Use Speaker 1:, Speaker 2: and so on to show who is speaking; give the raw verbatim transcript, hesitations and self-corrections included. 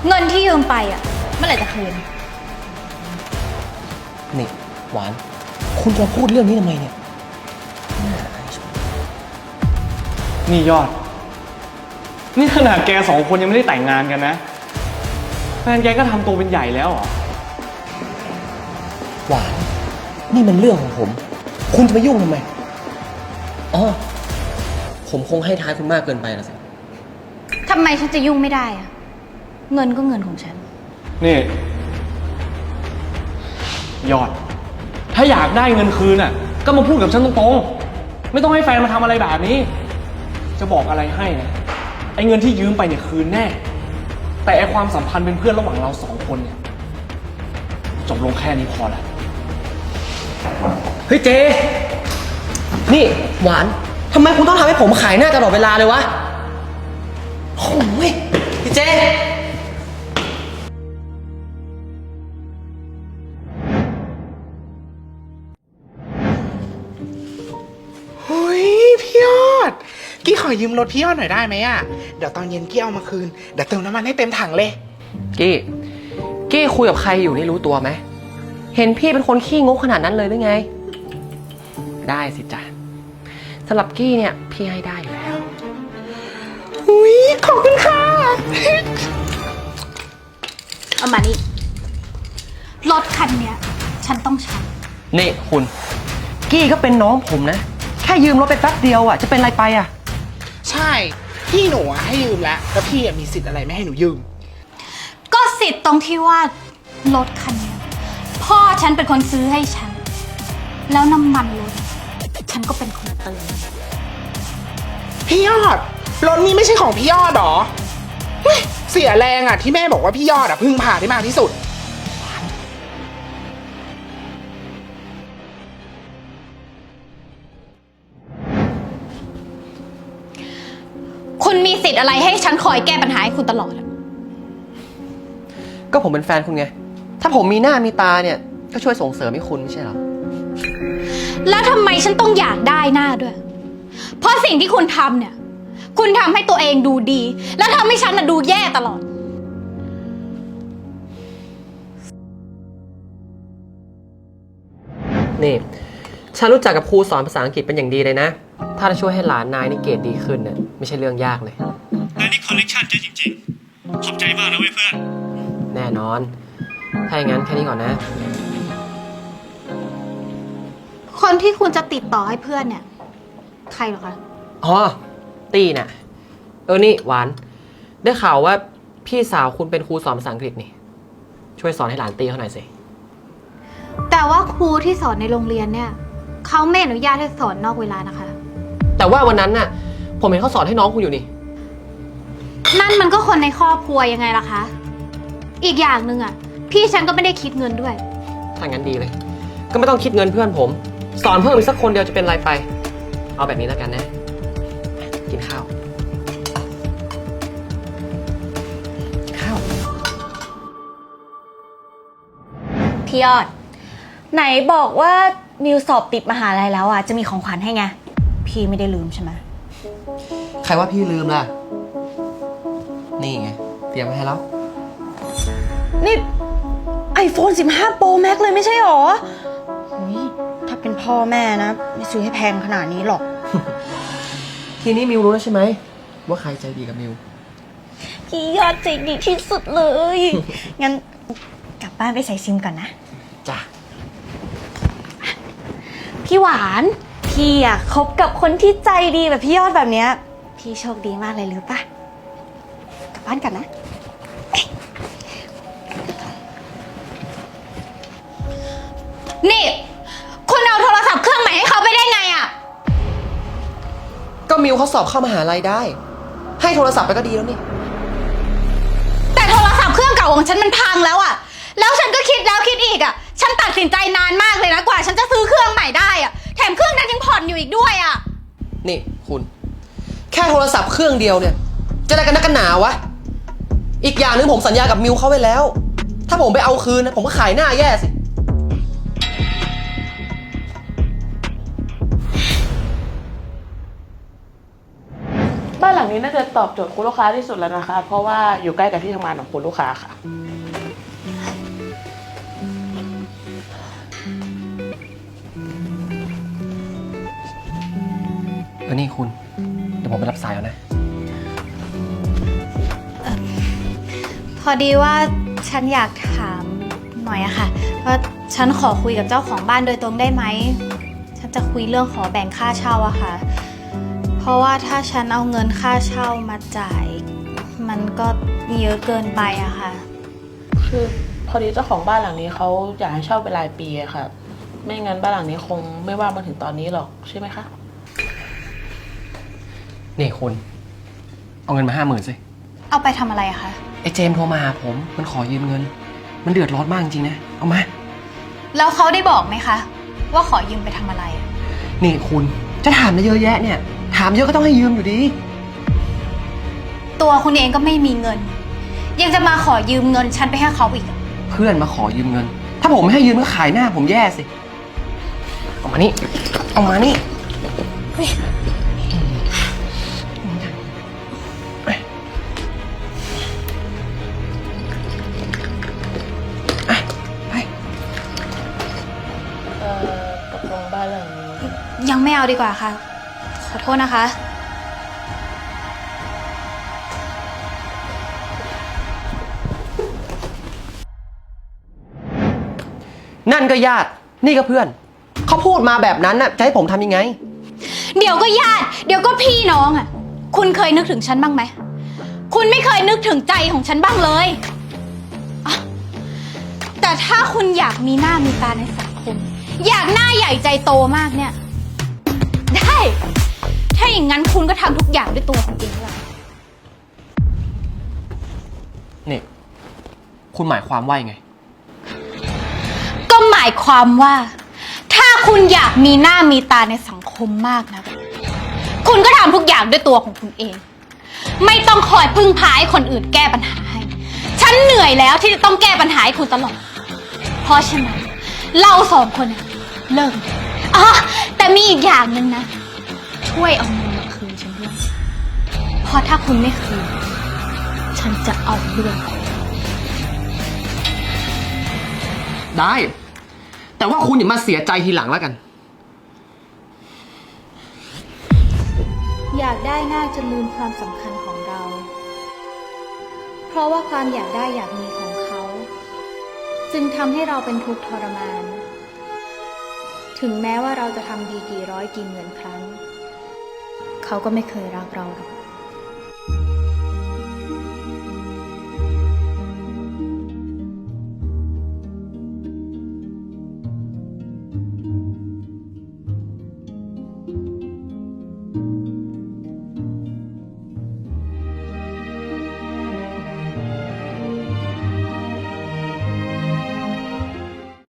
Speaker 1: เงินที่ยืมไปอ่ะเมื่อไหร่จะคืน
Speaker 2: นี่หวานคุณจะพูดเรื่องนี้ทำไมเนี่ย
Speaker 3: นี่ยอดนี่ขนาดแกสองคนยังไม่ได้แต่งงานกันนะแฟนแกก็ทำตัวเป็นใหญ่แล้วเหรอ
Speaker 2: หวานนี่มันเรื่องของผมคุณจะมายุ่งทำไมอ๋อผมคงให้ท้ายคุณมากเกินไปละสิ
Speaker 1: ทำไมฉันจะยุ่งไม่ได้อะเงินก็เงินของฉัน
Speaker 3: นี่ยอดถ้าอยากได้เงินคืนน่ะก็มาพูดกับฉันตรงๆไม่ต้องให้แฟนมาทำอะไรแบบนี้จะบอกอะไรให้นะไอ้เงินที่ยืมไปเนี่ยคืนแน่แต่ไอ้ความสัมพันธ์เป็นเพื่อนระหว่างเราสองคนเนี่ยจบลงแค่นี้พอแล้ว
Speaker 2: เฮ้ยเจนี่หวานทำไมคุณต้องทำให้ผมขายหน้าตลอดเวลาเลยวะโอ้ยพี่เจ
Speaker 4: เฮ้ยพี่ยอดกี้ขอยืมรถพี่ยอดหน่อยได้ไหมอ่ะเดี๋ยวตอนเย็นกี้เอามาคืนเดี๋ยวเติมน้ำมันให้เต็มถังเลย
Speaker 2: กี้กี้คุยกับใครอยู่นี่รู้ตัวไหมเห็นพี่เป็นคนขี้งกขนาดนั้นเลยหรือไงได้สิจ๊ะสำหรับกี้เนี่ยพี่ให้ได้อยู่แล้ว
Speaker 4: อุ้ยขอบคุณค่ะ
Speaker 1: เอามานี่รถคันเนี้ยฉันต้องใช้
Speaker 2: นี่คุณกี้ก็เป็นน้องผมนะแค่ยืมรถไปแป๊บเดียวอ่ะจะเป็นไรไปอ่ะ
Speaker 4: ใช่พี่หนูอะให้ยืมแล้วแล้วพี่มีสิทธิ์อะไรไม่ให้หนูยืม
Speaker 1: ก็สิทธิ์ตรงที่ว่ารถคันนี้พ่อฉันเป็นคนซื้อให้ฉันแล้วน้ำมันรถฉันก็เป็นคนเติม
Speaker 4: พี่ยอดรถนี้ไม่ใช่ของพี่ยอดหรอเสียแรงอ่ะที่แม่บอกว่าพี่ยอดอ่ะพึ่งพาได้มากที่สุด
Speaker 1: คุณมีสิทธิ์อะไรให้ฉันคอยแก้ปัญหาให้คุณตลอด
Speaker 2: ก็ผมเป็นแฟนคุณไงถ้าผมมีหน้ามีตาเนี่ยก็ช่วยส่งเสริมให้คุณไม่ใช่หรอ
Speaker 1: แล้วทำไมฉันต้องอยากได้หน้าด้วยเพราะสิ่งที่คุณทำเนี่ยคุณทำให้ตัวเองดูดีแล้วทำให้ฉันน่ะดูแย่ตลอด
Speaker 2: นี่ฉันรู้จักกับครูสอนภาษาอังกฤษเป็นอย่างดีเลยนะถ้าจะช่วยให้หลานนายนี่เกรดดีขึ้นเนี่ยไม่ใช่เรื่องยากเลย
Speaker 3: นายนี่คอนเนคชั่นเจ๊จริงๆขอบใจมากนะเว้ยเพื่อน
Speaker 2: แน่นอนถ้าอย่างนั้นแค่นี้ก่อนนะ
Speaker 1: คนที่คุณจะติดต่อให้เพื่อนเนี่ยใครหรอคะ
Speaker 2: อ๋อตี้น่ะเออนี่หวานได้ข่าวว่าพี่สาวคุณเป็นครูสอนภาษาอังกฤษนี่ช่วยสอนให้หลานตี้เขาหน่อยสิ
Speaker 1: แต่ว่าครูที่สอนในโรงเรียนเนี่ยเขาไม่อนุญาตให้สอนนอกเวลานะคะ
Speaker 2: แต่ว่าวันนั้นน่ะผมเห็นเขาสอนให้น้องคุณอยู่นี่
Speaker 1: นั่นมันก็คนในครอบครัวยังไงล่ะคะอีกอย่างหนึ่งอ่ะพี่ฉันก็ไม่ได้คิดเงินด้วย
Speaker 2: ถ้างั้นดีเลยก็ไม่ต้องคิดเงินเพื่อนผมสอนเพิ่มอีกสักคนเดียวจะเป็นไรไปเอาแบบนี้แล้วกันนะกินข้าวข้าว
Speaker 5: พี่ยอดไหนบอกว่ามิวสอบติดมหาลัยแล้วอ่ะจะมีของขวัญให้ไงพี่ไม่ได้ลืมใช่ไหม
Speaker 2: ใครว่าพี่ลืมล่ะนี่ไงเตรียมไว้ให้แล้ว
Speaker 5: นี่ไอโฟนสิบห้า Pro Max เลยไม่ใช่หรอถ้าเป็นพ่อแม่นะไม่ซื้อให้แพงขนาดนี้หรอก
Speaker 2: ทีนี้มิวรู้แล้วใช่ไหมว่าใครใจดีกับมิว
Speaker 5: พี่ยอดใจดีที่สุดเลย งั้นกลับบ้านไปใส่ซิมก่อนนะ
Speaker 2: จ้ะ
Speaker 5: พี่หวานพี่อะคบกับคนที่ใจดีแบบพี่ยอดแบบเนี้ยพี่โชคดีมากเลยหรือปะกลับบ้านกันนะ
Speaker 1: นี่คุณเอาโทรศัพท์เครื่องใหม่ให้เขาไปได้ไงอะ
Speaker 2: ก็มิวเขาสอบเข้ามหาลัยได้ให้โทรศัพท์ไปก็ดีแล้วนี่
Speaker 1: แต่โทรศัพท์เครื่องเก่าของฉันมันพังแล้วอะแล้วฉันก็คิดแล้วคิดอีกอะฉันตัดสินใจนานมากเลยนะกว่าฉันจะซื้อเครื่องใหม่ได้อะแถมเครื่องนั้นยังผ่อนอยู่อีกด้วยอะ
Speaker 2: นี่คุณแค่โทรศัพท์เครื่องเดียวเนี่ยจะอะไรกันนักกันหนาวะอีกอย่างนึงผมสัญญากับมิวเขาไว้แล้วถ้าผมไปเอาคืนนะผมก็ขายหน้าแย่สิ
Speaker 5: บ้านหลัง
Speaker 6: นี้น่าจะตอบโจทย์คุณลูกค้าที่สุดแล้วนะคะ เพราะว่าอยู่ใกล้กับที่ทำงานของคุณลูกค้าค่ะ
Speaker 2: เออนี่คุณ เดี๋ยวผมไปรับสายแล้วนะ
Speaker 1: พอดีว่าฉันอยากถามหน่อยอะค่ะว่าฉันขอคุยกับเจ้าของบ้านโดยตรงได้ไหม ฉันจะคุยเรื่องขอแบ่งค่าเช่าอะค่ะ เพราะว่าถ้าฉันเอาเงินค่าเช่ามาจ่าย มันก็เยอะเกินไปอะค่ะ
Speaker 6: คือพอดีเจ้าของบ้านหลังนี้เขาอยากให้เช่าเป็นรายปีอะค่ะ ไม่งั้นบ้านหลังนี้คงไม่ว่างมาถึงตอนนี้หรอกใช่ไหมคะ
Speaker 2: นี่คุณ เอาเงินมาห้าหมื่นสิ
Speaker 1: เอาไปทำอะไรอะคะ
Speaker 2: ไอ้เจมส์โทรมาหาผม มันขอยืมเงิน มันเดือดร้อนมากจริงๆนะ เอามา
Speaker 1: แล้วเขาได้บอกไหมคะ ว่าขอยืมไปทำอะไรอะ
Speaker 2: นี่คุณ จะถามอะไรเยอะแยะเนี่ย ถามเยอะก็ต้องให้ยืมอยู่ดี
Speaker 1: ตัวคุณเองก็ไม่มีเงิน ยังจะมาขอยืมเงินฉันไปให้เขาอีกอะ
Speaker 2: เพื่อนมาขอยืมเงิน ถ้าผมไม่ให้ยืมก็ขายหน้าผมแย่สิ เอามานี่ เอามานี่เฮ้ยอ่ะไป
Speaker 6: เอ่อตกลงบ้านหลังนี้
Speaker 1: ยังไม่เอาดีกว่าค่ะ ขอโทษนะคะ
Speaker 2: นั่นก็ญาติ นี่ก็เพื่อน เขาพูดมาแบบนั้นน่ะ จะให้ผมทำยังไง
Speaker 1: เดี๋ยวก็ญาติ เดี๋ยวก็พี่น้องอ่ะ คุณเคยนึกถึงฉันบ้างไหม คุณไม่เคยนึกถึงใจของฉันบ้างเลยอ่ะแต่ถ้าคุณอยากมีหน้ามีตาในสังคม อยากหน้าใหญ่ใจโตมากเนี่ย ได้ ถ้าอย่างนั้นคุณก็ทำทุกอย่างด้วยตัวคุณเองละ
Speaker 2: นี่ คุณหมายความว่ายังไง
Speaker 1: ก็หมายความว่า ถ้าคุณอยากมีหน้ามีตาในสังคมมากนะคุณก็ทำทุกอย่างด้วยตัวของคุณเอง ไม่ต้องคอยพึ่งพาให้คนอื่นแก้ปัญหาให้ ฉันเหนื่อยแล้วที่จะต้องแก้ปัญหาให้คุณตลอด เพราะฉะนั้นเราสองคนเนี่ยเลิกอ๋อแต่มีอีกอย่างหนึ่งนะ ช่วยเอาเงินมาคืนฉันด้วยเพราะถ้าคุณไม่คืน ฉันจะเอาเรื่อง
Speaker 2: ได้ แต่ว่าคุณอย่ามาเสียใจทีหลังแล้วกัน
Speaker 1: อยากได้น่าจะลืมความสำคัญของเรา เพราะว่าความอยากได้อยากมีของเขา จึงทำให้เราเป็นทุกข์ทรมาน ถึงแม้ว่าเราจะทำดีกี่ร้อยกี่หมื่นครั้ง เขาก็ไม่เคยรักเราหรอก